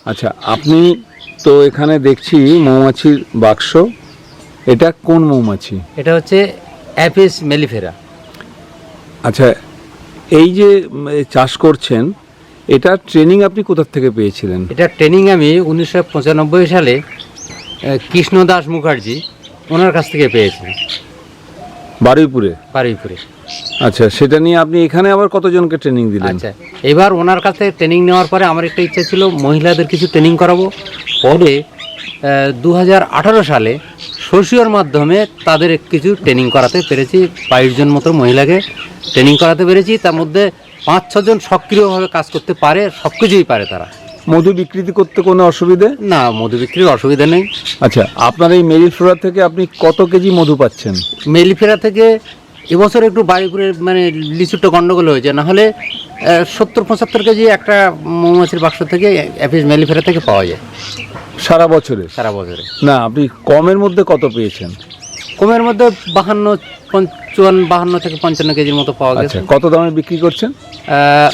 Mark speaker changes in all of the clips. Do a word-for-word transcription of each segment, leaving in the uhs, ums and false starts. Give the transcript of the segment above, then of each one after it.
Speaker 1: আচ্ছা, আপনি তো এখানে দেখছি মৌমাছির বাক্স, এটা কোন মৌমাছি?
Speaker 2: এটা হচ্ছে অ্যাপিস মেলিফেরা।
Speaker 1: আচ্ছা, এই যে উম, এ চাষ করছেন, এটা ট্রেনিং আপনি কোথা থেকে পেয়েছিলেন?
Speaker 2: এটা ট্রেনিং আমি উনিশশো পঁচানব্বই সালে আহ, কৃষ্ণ দাস মুখার্জি ওনার কাছ থেকে পেয়েছি,
Speaker 1: বারুইপুরে?
Speaker 2: বারুইপুরে।
Speaker 1: আচ্ছা, সেটা নিয়ে আপনি এখানে আবার কতজনকে ট্রেনিং দিলেন?
Speaker 2: আচ্ছা, এবার ওনার কাছ থেকে ট্রেনিং নেওয়ার পরে আমার একটা ইচ্ছা ছিল মহিলাদের কিছু ট্রেনিং করাবো। পরে দু হাজার আঠারো সালে সোশিওর মাধ্যমে তাদের কিছু ট্রেনিং করাতে পেরেছি। বাইশ জন মতো মহিলাকে ট্রেনিং করাতে পেরেছি। তার মধ্যে পাঁচ ছজন সক্রিয়ভাবে কাজ করতে পারে, সব কিছুই পারে তারা।
Speaker 1: মধু বিকৃতি করতে কোনো অসুবিধে?
Speaker 2: না, মধু বিক্রির অসুবিধা নেই।
Speaker 1: আচ্ছা, আপনার এই মেরিফ্লোরা থেকে আপনি কত কেজি মধু পাচ্ছেন?
Speaker 2: মেলিফেরা থেকে এবছর একটু বাড়িপুরে মানে লিচুটা গন্ডগোল হয়েছে, না হলে সত্তর পঁচাত্তর কেজি একটা মৌমাছির বাক্স থেকে অ্যাপিস মেলিফেরা থেকে পাওয়া যায়
Speaker 1: সারা বছরে?
Speaker 2: সারা বছরে।
Speaker 1: না, আপনি কমের মধ্যে কত পেয়েছেন?
Speaker 2: কমের মধ্যে বাহান্ন চুয়ান্ন বাহান্ন থেকে পঞ্চান্ন কেজির মতো পাওয়া গেছে।
Speaker 1: আচ্ছা, কত দামে বিক্রি করছেন?
Speaker 2: আহ,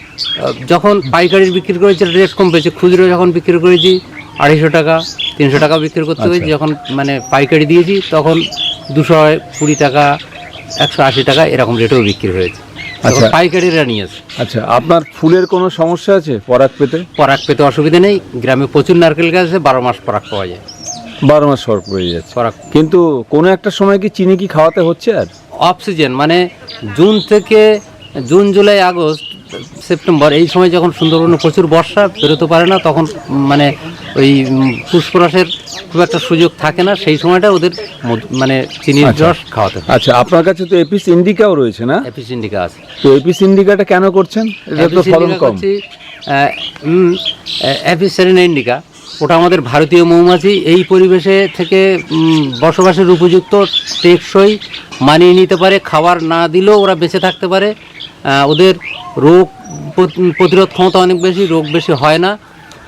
Speaker 2: যখন পাইকারি বিক্রি করেছি রেট কম পেয়েছে, খুচরো যখন বিক্রি করেছি আড়াইশো টাকা তিনশো টাকা বিক্রি করতে হয়েছে। যখন মানে পাইকারি দিয়েছি তখন দুশো কুড়ি টাকা একশো আশি টাকা এরকম রেটেও বিক্রি হয়েছে।
Speaker 1: আচ্ছা,
Speaker 2: পাইকারিরা নিয়েছে।
Speaker 1: আচ্ছা, আপনার ফুলের কোনো সমস্যা আছে পরাগ পেতে?
Speaker 2: পরাগ পেতে অসুবিধা নেই, গ্রামে প্রচুর নারকেল গাছ আছে, বারো মাস পরাগ পাওয়া যায়।
Speaker 1: বারো মাস সর পড়ে যাচ্ছে
Speaker 2: পরাগ।
Speaker 1: কিন্তু কোনো একটা সময় কি চিনি কি খাওয়াতে হচ্ছে? আর
Speaker 2: অফ সিজন মানে জুন থেকে জুন জুলাই আগস্ট সেপ্টেম্বর এই সময় যখন সুন্দরবনে প্রচুর বর্ষা, বেরোতে পারে না, তখন মানে ওই পুষ্পরসের খুব একটা সুযোগ থাকে না, সেই সময়টা ওদের মধু- মানে চিনির
Speaker 1: আচ্ছা।
Speaker 2: রস খাওয়াতে হয়।
Speaker 1: আচ্ছা, আপনার কাছে তো এপিস ইন্ডিকাও রয়েছে না?
Speaker 2: অ্যাপিস ইন্ডিকা আছে।
Speaker 1: তো এপিস ইন্ডিকাটা কেন করছেন? এটা তো
Speaker 2: অ্যাপিস
Speaker 1: ফলন
Speaker 2: ইন্ডিকা
Speaker 1: কম।
Speaker 2: করছি, আহ, উম, অ্যাপিস সেরেনা ইন্ডিকা, ওটা আমাদের ভারতীয় মৌমাছি। এই পরিবেশে থেকে উম, বসবাসের উপযুক্ত, টেকসই, মানিয়ে নিতে পারে, খাবার না দিলেও ওরা বেঁচে থাকতে পারে। আহ, ওদের রোগ প্রত- প্রতিরোধ ক্ষমতা অনেক বেশি, রোগ বেশি হয় না।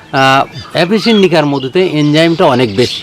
Speaker 2: অ্যাপিস ইন্ডিকার মধুতে এনজাইমটা অনেক বেশি,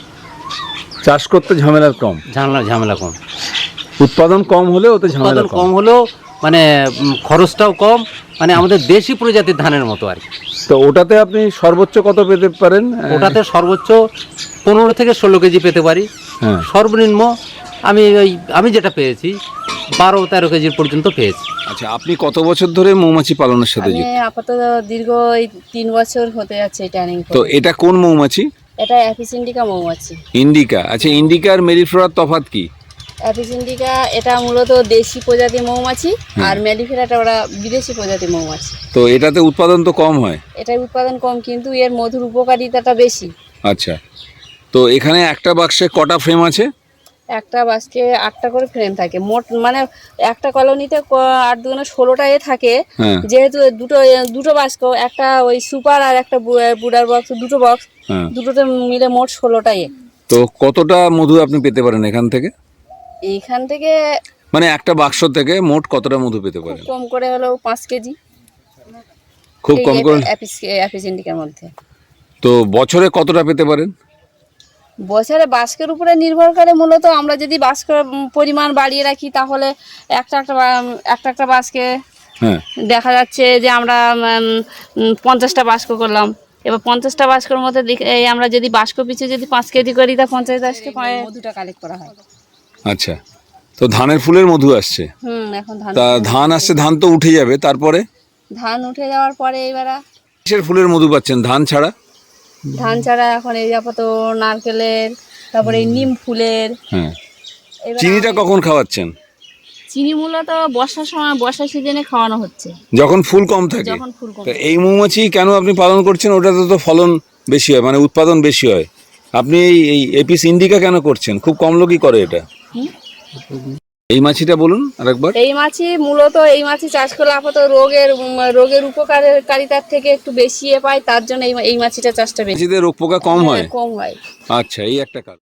Speaker 1: চাষ করতে ঝামেলা কম,
Speaker 2: ঝামেলা ঝামেলা কম,
Speaker 1: উৎপাদন কম হলেও ওতে ঝামেলা
Speaker 2: উৎপাদন
Speaker 1: কম।
Speaker 2: কম হলেও মানে উম, খরচটাও কম, মানে আমাদের দেশি প্রজাতির ধানের মতো আর কি।
Speaker 1: তো ওটাতে আপনি সর্বোচ্চ কত পেতে পারেন?
Speaker 2: ওটাতে সর্বোচ্চ পনেরো থেকে ষোলো কেজি পেতে পারি।
Speaker 1: হ্যাঁ।
Speaker 2: সর্বনিম্ন আমি ওই আমি যেটা পেয়েছি বারো তেরো কেজির পর্যন্ত পেয়েছি।
Speaker 1: আচ্ছা, আপনি কত বছর ধরে মৌমাছি পালনের সাথে
Speaker 3: আমি
Speaker 1: যুক্ত?
Speaker 3: আপাতত দীর্ঘ এই তিন বছর হতে যাচ্ছে ট্রেনিং
Speaker 1: তো এটা কোন মৌমাছি?
Speaker 3: এটা অ্যাপিস ইন্ডিকা মৌমাছি।
Speaker 1: ইন্ডিকা। আচ্ছা, ইন্ডিকা আর মেরিফ্লোরার তফাৎ কি?
Speaker 3: অ্যাপিস ইন্ডিকা এটা মূলত দেশি প্রজাতি মৌমাছি, আর মেলিফেরাটা ওরা বিদেশি প্রজাতি মৌমাছি।
Speaker 1: তো এটাতে উৎপাদন তো কম হয়?
Speaker 3: এটার উৎপাদন কম, কিন্তু এর মধুর উপকারিতাটা বেশি।
Speaker 1: আচ্ছা, তো এখানে একটা বাক্সে কটা ফ্রেম আছে?
Speaker 3: একটা বাসকে আটটা করে ফ্রেম থাকে মোট, মানে একটা কলোনিতে ক- আট দুগুণে ষোলোটা এ থাকে।
Speaker 1: হ্যাঁ।
Speaker 3: যেহেতু দুটো দুটো বাস্ক, একটা ওই সুপার আর একটা বু- বুডার বক্স, দুটো বক্স,
Speaker 1: হ্যাঁ।
Speaker 3: দুটোতে মিলে মোট ষোলোটা এ।
Speaker 1: তো কতটা মধু আপনি পেতে পারেন এখান থেকে?
Speaker 3: এইখান থেকে
Speaker 1: মানে একটা বাক্স থেকে মোট কতটা মধু পেতে পারেন?
Speaker 3: কম করে হলেও পাঁচ কেজি,
Speaker 1: খুব কম করে।
Speaker 3: অ্যাপিস অ্যাপিস ইন্ডিকার মধ্যে।
Speaker 1: তো বছরে কতটা পেতে পারেন?
Speaker 3: বছরে বাস্কের উপরে নির্ভর করে মূলত। আমরা যদি বাস্কের পরিমাণ বাড়িয়ে রাখি তাহলে একটা একটা বা- একটা একটা বাস্কে
Speaker 1: হ্যাঁ।
Speaker 3: দেখা যাচ্ছে যে আমরা উম, উম, পঞ্চাশটা বাস্ক করলাম। এবার পঞ্চাশটা বাস্কর মধ্যে দেখ- এই আমরা যদি বাস্ক পিছু যদি পাঁচ কেজি করি তা পঞ্চাশ বাস্কে মধুটা কালেক্ট করা হয়।
Speaker 1: আচ্ছা, তো ধানের ফুলের মধু আসছে।
Speaker 3: হুম এখন ধান
Speaker 1: তা ধান আসছে, ধান তো উঠে যাবে, তারপরে
Speaker 3: ধান উঠে যাওয়ার পরে এবার
Speaker 1: কিসের ফুলের মধু পাচ্ছেন ধান ছাড়া?
Speaker 3: ধান ছাড়া এখন এই আপাতত নারকেলের, তারপরে এই নিম ফুলের।
Speaker 1: হ্যাঁ।
Speaker 3: এবার
Speaker 1: চিনিটা কখন খাওয়াচ্ছেন?
Speaker 3: চিনি মূলত বর্ষার সময়, বর্ষা সিজনে খাওয়ানো হচ্ছে,
Speaker 1: যখন ফুল কম থাকে।
Speaker 3: যখন ফুল কম।
Speaker 1: তা এই মৌমাছি কেন আপনি পালন করছেন? ওটাতে তো ফলন বেশি হয়, মানে উৎপাদন বেশি হয়। আপনি এই এই এপিস ইন্ডিকা কেন করছেন? খুব কম লোকই করে এটা।
Speaker 3: হুম?
Speaker 1: এই মাছিটা বলুন আরেকবার।
Speaker 3: এই মাছি মূলত এই মাছি চাষ করলে আপাতত রোগের উম, রোগের উপকারিতার থেকে একটু বেশি এ পায়, তার জন্য এই এই মাছিটা চাষটা বেশি
Speaker 1: মাছিতে রোগ পোকা কম হয়।
Speaker 3: কম হয়।
Speaker 1: আচ্ছা, এই একটা কারণ।